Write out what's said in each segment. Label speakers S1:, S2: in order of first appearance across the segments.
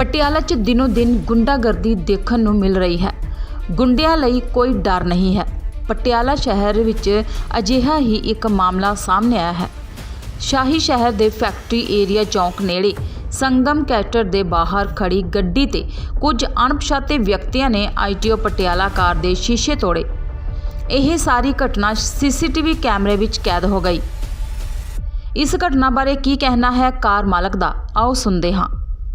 S1: ਪਟਿਆਲਾ 'ਚ ਦਿਨੋਂ ਦਿਨ ਗੁੰਡਾਗਰਦੀ ਦੇਖਣ ਨੂੰ ਮਿਲ ਰਹੀ ਹੈ। ਗੁੰਡਿਆਂ ਲਈ ਕੋਈ ਡਰ ਨਹੀਂ ਹੈ। ਪਟਿਆਲਾ ਸ਼ਹਿਰ ਵਿੱਚ ਅਜਿਹਾ ਹੀ ਇੱਕ ਮਾਮਲਾ ਸਾਹਮਣੇ ਆਇਆ ਹੈ। ਸ਼ਾਹੀ ਸ਼ਹਿਰ ਦੇ ਫੈਕਟਰੀ ਏਰੀਆ ਚੌਂਕ ਨੇੜੇ ਸੰਗਮ ਕੈਟਰ ਦੇ ਬਾਹਰ ਖੜੀ ਗੱਡੀ ਤੇ ਕੁਝ ਅਣਪਛਾਤੇ ਵਿਅਕਤੀਆਂ ਨੇ ITO ਪਟਿਆਲਾ ਕਾਰ ਦੇ ਸ਼ੀਸ਼ੇ ਤੋੜੇ। ਇਹ ਸਾਰੀ ਘਟਨਾ CCTV ਕੈਮਰੇ ਵਿੱਚ ਕੈਦ ਹੋ ਗਈ। ਇਸ ਘਟਨਾ ਬਾਰੇ ਕੀ ਕਹਿਣਾ ਹੈ ਕਾਰ ਮਾਲਕ ਦਾ, ਆਓ ਸੁਣਦੇ ਹਾਂ।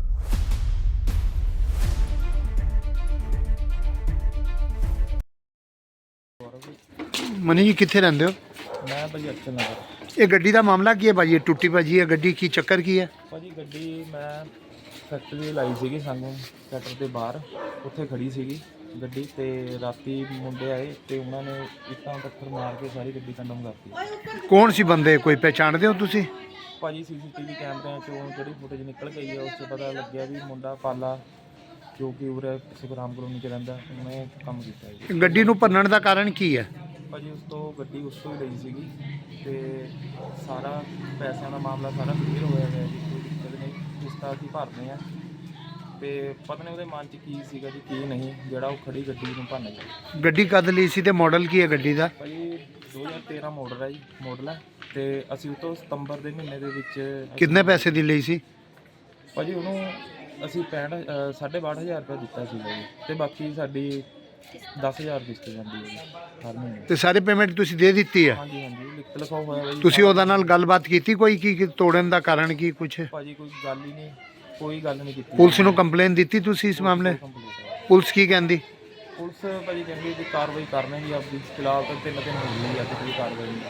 S2: मनी जी कितने रहंदे हो?
S3: मैं भाजी अक्षर नगर।
S2: ये गड्डी का मामला की है भाजी? टुटी भाजी है गड्डी की, चक्कर की है
S3: भाजी गड्डी मैं फैक्ट्री लाई सी संगम कैटर के बाहर, उत्थे खड़ी सी गड्डी ते राती मुंडे आए तो उन्होंने इट्टां पत्थर मार के सारी गड्डी कंडम करती।
S2: कौन सी बंदे, कोई पहचानते हो तुसी?
S3: भाजी CCTV कैमरे चों जी फुटेज निकल गई है, उससे पता लग गया भी मुंडा पाला जो कि उरे सुखराम कॉलोनी च रहिंदा, उन्हें काम किया।
S2: गड्डी नूं भन्नण दा कारण की है?
S3: भाजी उस तो गड्डी उस तो ही लई सीगी ते सारा पैसों का मामला सारा क्लीयर होया है जी, कोई दिक्कत नहीं। किस्तां असीं भरने आ ते पता नहीं उहदे मन च की सीगा जी की नहीं जिहड़ा वो खड़ी गड्डी नूं भन्न गया।
S2: गड्डी कद लई सी ते मॉडल की है गड्डी दा?
S3: भाजी 2013 मॉडल है जी, मॉडल है ते असीं उस तो सितंबर के महीने दे विच
S2: कितने पैसे दी लई सी?
S3: भाजी उहनूं असीं 62,500 रुपया दिता सीगा जी ते बाकी साडी 10,000 किस्त जाती है हर महीने।
S2: ते सारी पेमेंट तुसी दे दित्ती है?
S3: हाँ जी हाँ जी, लिख लिखाओ होया भाई।
S2: तुसी ओहदा नाल गलबात कीती कोई की तोड़न दा कारण की कुछ?
S3: भाजी कोई गल ही नहीं, कोई गल नहीं कीती।
S2: पुलिस नूं कंप्लेन दित्ती तुसी इस मामले? पुलिस की कहंदी?
S3: पुलिस भाजी कहंदी जी कार्रवाई करने की आपकी, फिलहाल तो 3 दिन हो गई है, कोई कार्रवाई नहीं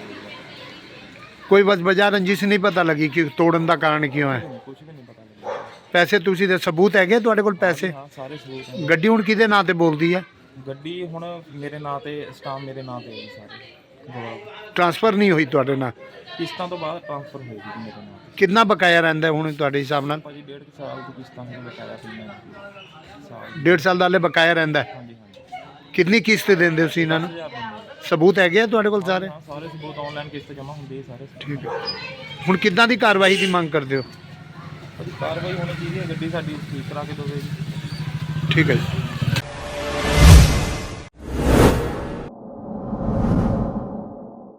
S3: हुई।
S2: कोई वजह रंजिश नहीं पता लगी कि तोड़न दा कारण क्यों है?
S3: कुछ भी नहीं पता लगा।
S2: पैसे तुसी दे सबूत हैगे तुहाडे कोल पैसे?
S3: हाँ सारे सबूत हैं।
S2: गड्डी हुण किहदे नां ते बोलदी है?
S3: गड्डी हुण मेरे नां ते स्टाम मेरे नां ते है जी सारे गवाह।
S2: ट्रांसफर नहीं हुई तुहाडे नाल?
S3: किस्तां तो बाद ट्रांसफर होई जी मेरे नां ते।
S2: कितना बकाया रहिंदा हुण तुहाडे हिसाब नाल?
S3: भाजी 1.5 साल की किस्तां में बकाया सी मैं साल।
S2: 1.5 साल ਦਾ ਹਲੇ ਬਕਾਇਆ ਰਹਿੰਦਾ ਹੈ।
S3: हाँ जी हाँ जी।
S2: ਕਿੰਨੀ ਕਿਸ਼ਤ ਦਿੰਦੇ ਹੋ ਤੁਸੀਂ ਇਹਨਾਂ ਨੂੰ?
S3: 10,000 दिंदे।
S2: ਸਬੂਤ ਹੈਗੇ ਆ ਤੁਹਾਡੇ ਕੋਲ ਸਾਰੇ?
S3: हाँ सारे सबूत ऑनलाइन किस्त जमा होंगे सारे।
S2: ਠੀਕ ਹੈ। ਹੁਣ ਕਿੱਦਾਂ ਦੀ ਕਾਰਵਾਈ ਦੀ ਮੰਗ ਕਰਦੇ ਹੋ?
S3: भाजी कार्रवाई होनी चाहिए, गड्डी साडी ठीक करा के दोगे जी।
S2: ਠੀਕ ਹੈ ਜੀ।